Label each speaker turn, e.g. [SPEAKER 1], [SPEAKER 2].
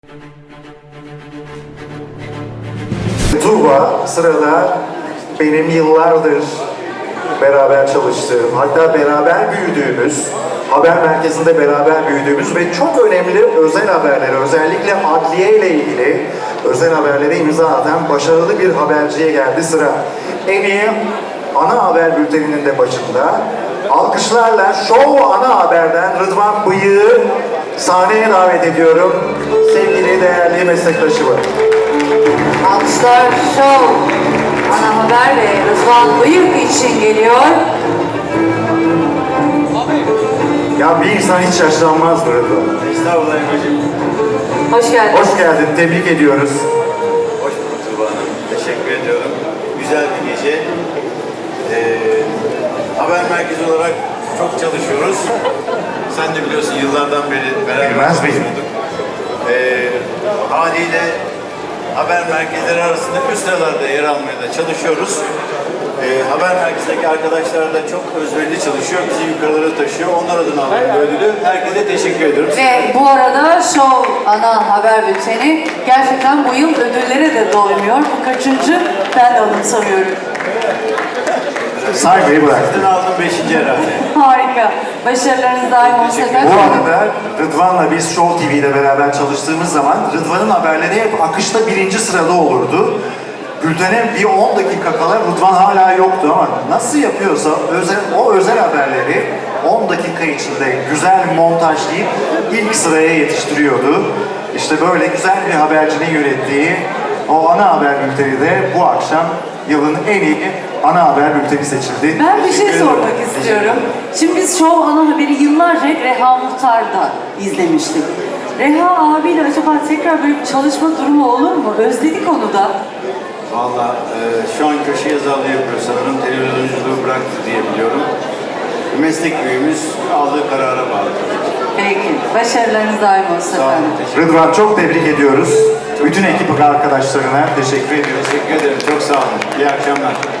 [SPEAKER 1] Tuğba sırada benim yıllardır beraber çalıştığım, hatta beraber büyüdüğümüz, haber merkezinde beraber büyüdüğümüz ve çok önemli özel haberleri, özellikle adliye ile ilgili özel haberlere imza atan başarılı bir haberciye geldi sıra. En iyi ana haber bülteninin de başında. Alkışlarla Show Ana Haber'den Rıdvan Bıyık'ı sahneye davet ediyorum. Sevgili değerli meslektaşımı.
[SPEAKER 2] Alkışlar Show Ana Haber ve Rıdvan Bıyık için geliyor.
[SPEAKER 1] Ya bir insan hiç yaşlanmaz mı Rıdvan?
[SPEAKER 3] Estağfurullah Emre'cim.
[SPEAKER 2] Hoş geldin.
[SPEAKER 1] Hoş geldin, tebrik ediyoruz.
[SPEAKER 3] Hoş bulduk Tuğba Hanım. Teşekkür ediyorum. Güzel bir gece. Haber merkezi olarak çok çalışıyoruz. Sen de biliyorsun yıllardan beri beraber
[SPEAKER 1] Bilmez miyim?
[SPEAKER 3] çalışıyorduk. Haliyle haber merkezleri arasında üst sıralarda yer almaya da çalışıyoruz. Haber merkezindeki arkadaşlar da çok özverili çalışıyor. Bizi yukarılara taşıyor. Onlar adına alıyorum bu ödülü. Herkese teşekkür ediyorum.
[SPEAKER 2] Ve bu arada Show Ana Haber Bülteni gerçekten bu yıl ödüllere de doymuyor. Bu kaçıncı? Ben de anımsamıyorum.
[SPEAKER 1] Saymayı bıraktın.
[SPEAKER 3] Sizden aldım 5. herhalde.
[SPEAKER 2] Harika. Başarılarınız daim olsun efendim.
[SPEAKER 1] Bu arada Rıdvan'la biz Show TV'de beraber çalıştığımız zaman Rıdvan'ın haberleri hep akışta birinci sırada olurdu. Bültene bir 10 dakika kala Rıdvan hala yoktu ama nasıl yapıyorsa o özel haberleri 10 dakika içinde güzel montajlayıp ilk sıraya yetiştiriyordu. İşte böyle güzel bir habercinin yönettiği o ana haber bülteni de bu akşam yılın en iyi ana haber bülteni seçildi.
[SPEAKER 2] Ben bir şey sormak istiyorum. Şimdi biz Show Ana Haber'i yıllarca Reha Muhtar'da izlemiştik. Reha abiyle acaba tekrar böyle bir çalışma durumu olur mu? Özledik onu da.
[SPEAKER 3] Valla şu an köşe yazarlığı yapıyor sanırım. Televizyonculuğu bıraktı diye biliyorum. Meslek büyüğümüz aldığı karara bağlı.
[SPEAKER 2] Peki. Başarılarınız daim olsun
[SPEAKER 3] Sağ olun,
[SPEAKER 2] efendim.
[SPEAKER 3] teşekkür
[SPEAKER 1] Rıdvan çok tebrik ediyoruz. Bütün ekip arkadaşlarına teşekkür ediyoruz.
[SPEAKER 3] Teşekkür ederim, çok sağ olun. İyi akşamlar.